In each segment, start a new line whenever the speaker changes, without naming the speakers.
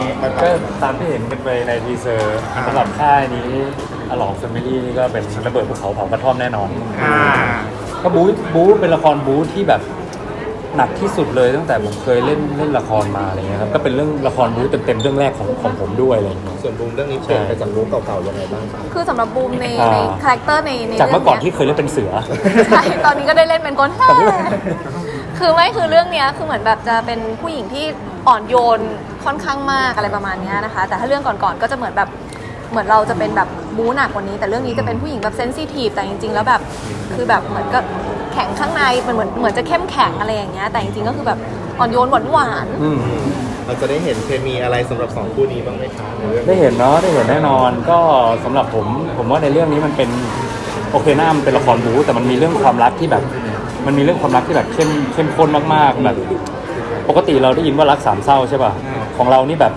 ก็ตามที่เห็นกันไปในทีเซอร์สำหรับค่ายนี้อลองแฟมิลี่นี่ก็เป็นระเบิดภูเขาเผากระท่อมแน่นอนก็บู๊เป็นละครบู๊ที่แบบหนักที่สุดเลยตั้งแต่ผมเคยเล่นละครมาอะไรเงี้ยครับก็เป็นเรื่องละครบู๊เต็มๆเรื่องแรกของผมด้วยอะไรเงี้ย
ส่วนบูมเรื่องนี้เปลี่ยนไปจากบูมเก่าๆยังไงบ้างครับ
คือสำหรับบูมในคาแรคเตอร์ใน
จากเมื่อก่อนที่เคยเล่นเป็นเสือ
ใช่ตอนนี้ก็ได้เล่นเป็นคนแฮ่คือเรื่องเนี้ยคือเหมือนแบบจะเป็นผู้หญิงที่อ่อนโยนค่อนข้างมากอะไรประมาณนี้นะคะแต่ถ้าเรื่องก่อนๆก็จะเหมือนเราจะเป็นแบบบู๊หนักกว่านี้แต่เรื่องนี้จะเป็นผู้หญิงแบบเซนซิทีฟแต่จริงๆแล้วแบบคือแบบเหมือนก็แข็งข้างในมันเหมือนจะเข้มแข็งอะไรอย่างเงี้ยแต่จริงๆก็คือแบบอ่อนโยนหวาน
เราจะได้เห็นเคมีอะไรสำหรับ2คู่นี้บ้างไหมคะ
ได้เห็นเนาะได้เห็นแน่นอนก็สำหรับผมว่าในเรื่องนี้มันเป็นโอเคหน้ามันเป็นละครบู๊แต่มันมีเรื่องความรักที่แบบเข้มข้นมากๆแบบปกติเราได้ยินว่ารัก3เศร้าใช่ป่ะของเรานี่แบบ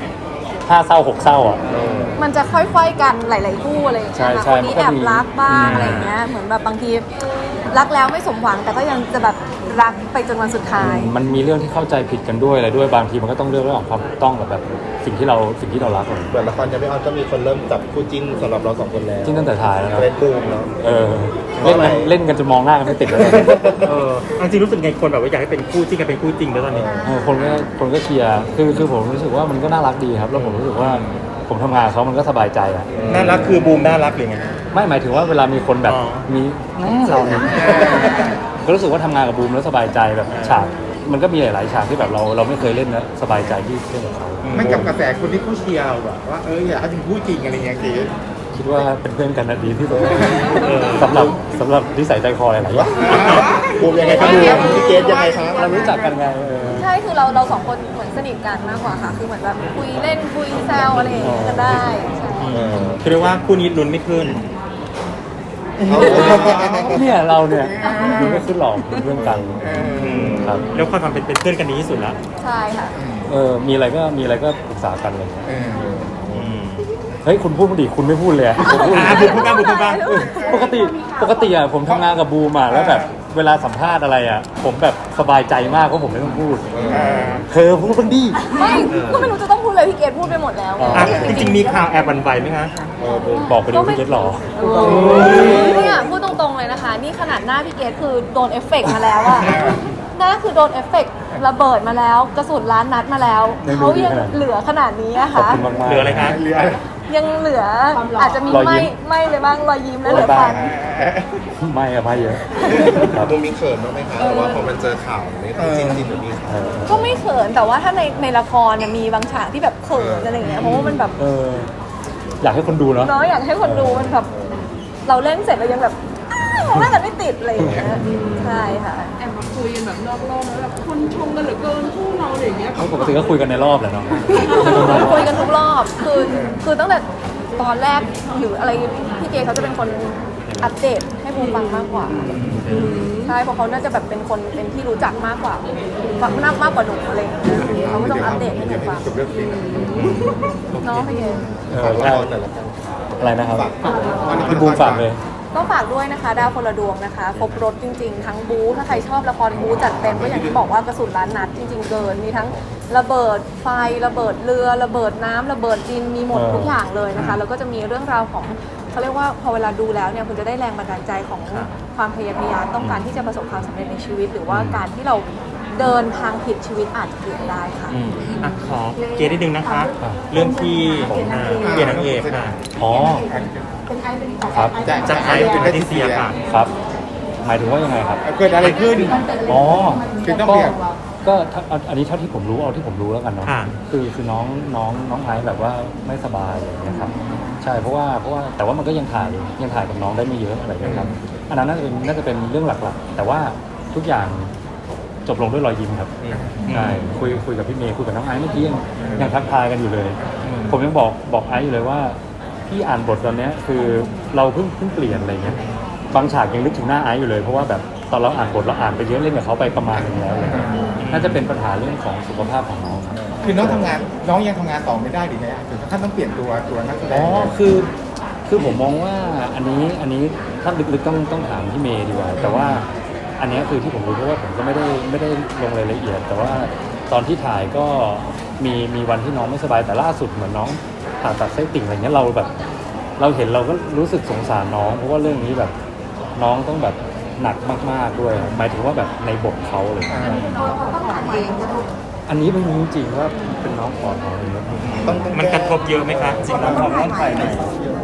5เศร้า6เศร้าอ่ะ
มันจะค่อยๆกันหลายๆคู่อะไรอย่างเงี้ยค่ะคนนี้แอบรักบ้างอะไรอย่างเงี้ยเหมือนแบบบางทีรักแล้วไม่สมหวังแต่ก็ยังจะแบบรักไปจนวันสุดท้าย
มันมีเรื่องที่เข้าใจผิดกันด้วยอะไรด้วยบางทีมันก็ต้องเรื่องของความถูกต้องแบบสิ่งที่เรารัก
เหมือนละครยังไม่ออนก็มีคนเริ่มจับคู่จิ้นสำหรับเรา2คนแล้ว
จิ้นตั้งแต่ถ่ายแล้ว
เล่นบูมเนาะ
เล่นกันจนมองหน้ากันไม่ติดเลย
จริงรู้สึกไงคนแบบว่าอยากให้เป็นคู่จริงกันเป็นคู่จริงแล้วตอนนี้
คนก็เชียร์คือผมรู้สึกว่ามันก็น่ารักดีครับแล้วผมรู้สึกว่าผมทำงานเขามันก็สบายใจอ่ะ
น่ารักคือบูมน่ารักหรือไง
ไม่หมายถึงว่าเวลามีคนแบบมีเราเนี่ยก็รู้สึกว่าทำงานกับบูมแล้วสบายใจแบบฉากมันก็มีหลายๆฉากที่แบบเราไม่เคยเล่นนะสบายใจที่เล่นกับเขา
ไม่กับกระแสคนที่เขาเชียร์เราแบบว่าอยากให้เป็นคู่จริงอะไรเงี้ยเกศ
คิดว่าเป็นเพื่อนกันนะดีที่สุดสำหรับนิสัยใจคออะไรอย่างเงี้ย
บูมยังไงครับบูมพี่เกศยังไงครับ
เรารู้จักกันไง
ใช่คือเราสองคนเหมือนสนิทกันมากกว่าค่ะคือเหมือนแบบคุยเล่นคุยแซวอะไรอย่างเงี้ยกันได้
คือเรียกว่าคู่นี้ลุ้นไม่ขึ้น
เนี่ยเราเนี่ยดูไม่ขึ้นหรอกเป็นเพื่อนกันครับ
แล้วความเป็นเพื่อนกันดีที่สุดแล้ว
ใช่ค่ะ
มีอะไรก็ปรึกษากันเลยเฮ้ยคุณพูดดิคุณไม่พูดเลย
พูดบ้าง
ปกติอ่ะผมทำงานกับบูมอ่ะแล้วแบบเวลาสัมภาษณ์อะไรอ่ะผมแบบสบายใจมากเพราะผมไม่ต้องพูดเธอพูดบ้างดิ
ไม่ก็ไม่รู้จะต้องพูดเลยพี่เกดพูดไปหมดแล้ว
จริงๆมีข่าวแอบบันไวไหมคะ
บอกไปดูพี่เกดหรอ
เนี่ยพูดตรงๆเลยนะคะนี่ขนาดหน้าพี่เกดคือโดนเอฟเฟกต์มาแล้วอะหน้าคือโดนเอฟเฟกต์ระเบิดมาแล้วกระสุนล้านนัดมาแล้วเขายังเหลือขนาดนี้อะค่ะ
เหลืออะไรคะ
ยังเหลืออาจจะมีไม่เลยบ้างรอยยิ้มและเหลือฟัน
ไม่เยอะ
บูมมีเขินบ้างไหมคะแต่ว่าพอมันเจอข่าวนี้จริงแบบนี้
ก็ไม่เขินแต่ว่าถ้าในละครเนี่ยมีบางฉากที่แบบเขินอะไรอย่างเงี้ยเพราะว่ามันแบบ
อยากให้คนดูเนาะ
อยากให้คนดูมันแบบเราเล่นเสร็จเรายังแบบมองหน้ากันไม่ติดอะไรอย่างเงี้ยใช่ค่ะ
แอบมาคุยกันแบบนอกรอบแล้วแบบคนชมกันเหลือเกินคู่เราอะไรอย่างเงี้ย
ปกติก็คุยกันในรอบแหละเนาะ
คุยกันทุกรอบคือตั้งแต่ตอนแรกหรืออะไรพี่เจเขาจะเป็นคนอัปเดตให้บูมฟังมากกว่าใช่เพราะเขาน่าจะแบบเป็นคนเป็นที่รู้จักมากกว่ามากกว่าหนูอะไรอย่างเงี้ยเขาก็ต้องอัปเดตให้หนูฟังน้องพี่เจ
อะไรนะครับพี่บูมฝากเลย
ก็ฝากด้วยนะคะดาวคนละดวงนะคะครบรถจริงๆทั้งบู๊ถ้าใครชอบละครบู๊จัดเต็มก็อย่างที่บอกว่ากระสุนล้านนัดจริงๆเกินมีทั้งระเบิดไฟระเบิดเรือระเบิดน้ำระเบิดดินมีหมดทุกอย่างเลยนะคะแล้วก็จะมีเรื่องราวของเขาเรียกว่าพอเวลาดูแล้วเนี่ยคุณจะได้แรงบันดาลใจของความพยายามต้องการที่จะประสบความสำเร็จในชีวิตหรือว่าการที่เราเดินทางผิดชีวิตอาจจะเปลี่ยนได้ค่ะ
ขอเกรดนิดนึงนะคะเรื่องที่เปลี่ยนนางเอกค่ะ
ครับ
จากไอเป็นแพทริเซียค่ะ
ครับหมายถึงว่ายังไงครับ
เกิดอะไรขึ้น
คือต้องเปลี่ยนก็อันนี้เท่าที่ผมรู้เอาที่ผมรู้แล้วกันเนาะคือน้องไอซ์แบบว่าไม่สบายอะไรอย่างเงี้ยครับใช่เพราะว่าแต่ว่ามันก็ยังถ่ายกับน้องได้ไม่เยอะอะไรอย่างเงี้ยครับอันนั้นน่าจะเป็นเรื่องหลักๆแต่ว่าทุกอย่างจบลงด้วยรอยยิ้มครับใช่คุยกับพี่เมย์คุยกับน้องไอซ์เมื่อกี้ยังทักทายกันอยู่เลยผมยังบอกไอซ์อยู่เลยว่าพี่อ่านบทตอนนี้คือเราเพิ่งเปลี่ยนอะไรเงี้ยบางฉากยังนึกถึงหน้าไอซ์อยู่เลยเพราะว่าแบบตอนเราอ่านบทเราอ่านไปเยอะเล่นกับเขาไปประมาณนึงแล้วเลยน่าจะเป็นปัญหาเรื่องของสุขภาพของน้องครับ
คือน้องยังทำงานต่อไม่ได้หรือไงถึงขั้นต้องเปลี่ยนตัวนักแสดง
คือผมมองว่าอันนี้ถ้าลึกๆต้องถามพี่เมย์ดีกว่าแต่ว่าอันนี้คือที่ผมรู้เพราะว่าผมก็ไม่ได้ลงรายละเอียดแต่ว่าตอนที่ถ่ายก็มีวันที่น้องไม่สบายแต่ล่าสุดเหมือนน้องผ่าตัดไส้ติ่งอะไรเงี้ยเราแบบเราเห็นเราก็รู้สึกสงสารน้องเพราะว่าเรื่องนี้แบบน้องต้องแบบหนักมากๆด้วยหมายถึงว่าแบบในบทเขาเลย อันนี้ไม่รู้จริงๆว่าเป็นน้องปอดของอะไร
ต้อง
มันกระทบเยอะไหมคะจริง
ต้องถ่ายไหน